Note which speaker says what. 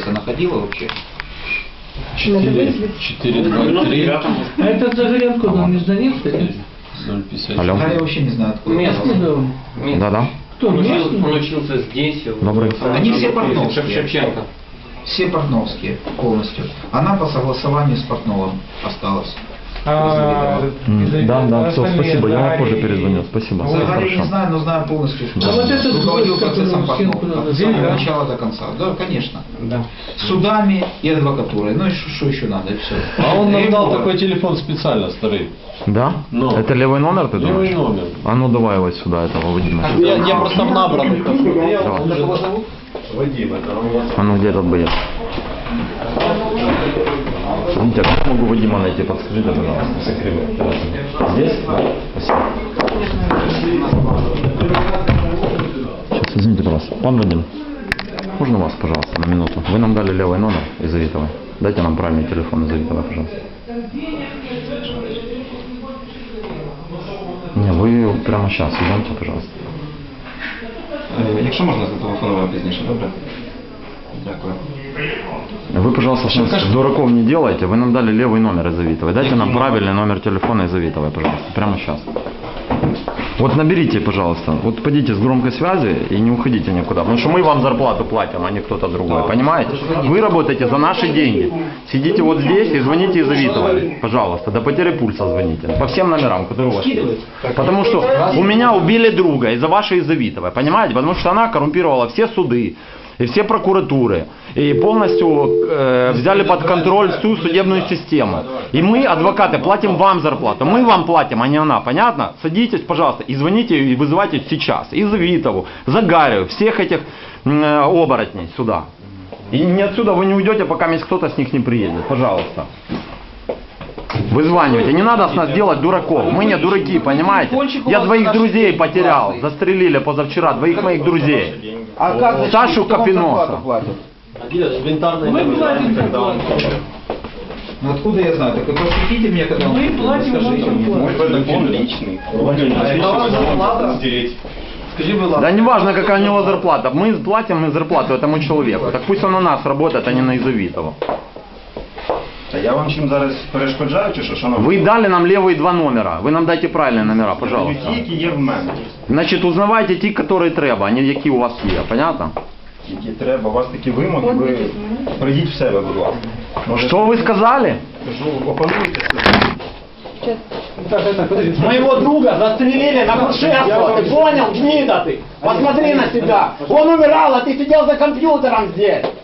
Speaker 1: адреса находила вообще?
Speaker 2: 423.
Speaker 3: А это Загорянко, он междонецк, нет?
Speaker 2: 050.
Speaker 4: Алло.
Speaker 1: А я вообще не знаю, откуда.
Speaker 3: Местный, да.
Speaker 4: Да-да.
Speaker 3: Кто,
Speaker 5: Он
Speaker 3: местный?
Speaker 5: учился здесь.
Speaker 4: Добрый.
Speaker 1: Они все портновские.
Speaker 5: Шевченко.
Speaker 1: Все портновские полностью. Она по согласованию с Портновым осталась.
Speaker 4: Да, все, спасибо, я вам позже перезвоню. Спасибо. Все
Speaker 1: Загаря не
Speaker 4: хорошо.
Speaker 1: знаю, но знаю полностью, что
Speaker 3: А вот этот
Speaker 1: руководил
Speaker 3: гость,
Speaker 1: процессом
Speaker 3: который
Speaker 1: Портнов.
Speaker 3: всем
Speaker 1: От самого начала до конца. Да, конечно.
Speaker 5: Да.
Speaker 1: Судами и адвокатурой. Ну и что еще надо, и все.
Speaker 2: А он нам дал такой телефон специально, старый.
Speaker 4: Да?
Speaker 2: Ну.
Speaker 4: Это левый номер, ты думаешь?
Speaker 2: Левый номер.
Speaker 4: А ну давай его сюда, этого Вадима.
Speaker 2: Я просто в набранных.
Speaker 4: Давай.
Speaker 2: Вадим, это у вас.
Speaker 4: А ну где этот боец? Видите, а как могу Вадима найти? Подскажите, пожалуйста. Здесь? Спасибо. Сейчас, извините, пожалуйста. Пан Вадим, можно вас, пожалуйста, на минуту? Вы нам дали левый номер из Авитова. Дайте нам правильный телефон из Авитова, пожалуйста. Не, вы прямо сейчас идемте, пожалуйста.
Speaker 6: Якщо можна, зателефонувати пізніше, добре? Дякую.
Speaker 4: Вы, пожалуйста, с дураков не делайте. Вы нам дали левый номер из Авитова. Дайте нам правильный номер телефона из Авитова, пожалуйста. Прямо сейчас. Вот наберите, пожалуйста. Вот пойдите с громкой связи и не уходите никуда. Потому что мы вам зарплату платим, а не кто-то другой. Понимаете? Вы работаете за наши деньги. Сидите вот здесь и звоните из Авитова. Пожалуйста. До потери пульса звоните. По всем номерам, которые у вас есть. Потому что у меня убили друга из-за вашей из Авитова. Понимаете? Потому что она коррумпировала все суды и все прокуратуры, и полностью взяли под контроль всю судебную систему. И мы, адвокаты, платим вам зарплату, мы вам платим, а не она, понятно? Садитесь, пожалуйста, и звоните, и вызывайте сейчас, и Завитову, Загарию, всех этих оборотней сюда. И не отсюда вы не уйдете, пока кто-то с них не приедет, пожалуйста. Вызванивайте, не надо с нас делать дураков, мы не дураки, понимаете? Я двоих друзей потерял, застрелили позавчера, двоих моих друзей.
Speaker 1: А как
Speaker 4: Сашу Капиноса.
Speaker 3: Мы платим зарплату.
Speaker 1: Ну откуда я знаю? Так просветите мне, когда он
Speaker 3: Мы
Speaker 1: придет,
Speaker 3: платим
Speaker 1: расскажите
Speaker 3: вам
Speaker 1: мне.
Speaker 3: зарплату.
Speaker 6: Телефон личный. Стереть.
Speaker 1: Скажи, будь ласка.
Speaker 4: Да не важно, какая у него зарплата, мы платим зарплату этому человеку. Так пусть он у нас работает, а не на Изавитова.
Speaker 6: Та я вам чим зараз перешкоджаю, чи що, шановні?
Speaker 4: Вы дали нам левые два номера, вы нам дайте правильные номера, пожалуйста.
Speaker 6: Ті, які є в мене.
Speaker 4: Значит, узнавайте ті, которые треба, а не які у вас є, понятно?
Speaker 6: Які треба, у вас такі вимоги, ви прийдіть в себе, будь ласка. Може,
Speaker 4: Что вы сказали?
Speaker 6: кажу, опануйте себе.
Speaker 4: Моего друга застрелили на Грушевского, ты понял, гнида ты? Посмотри на себя. Он умирал, а ты сидел за компьютером здесь.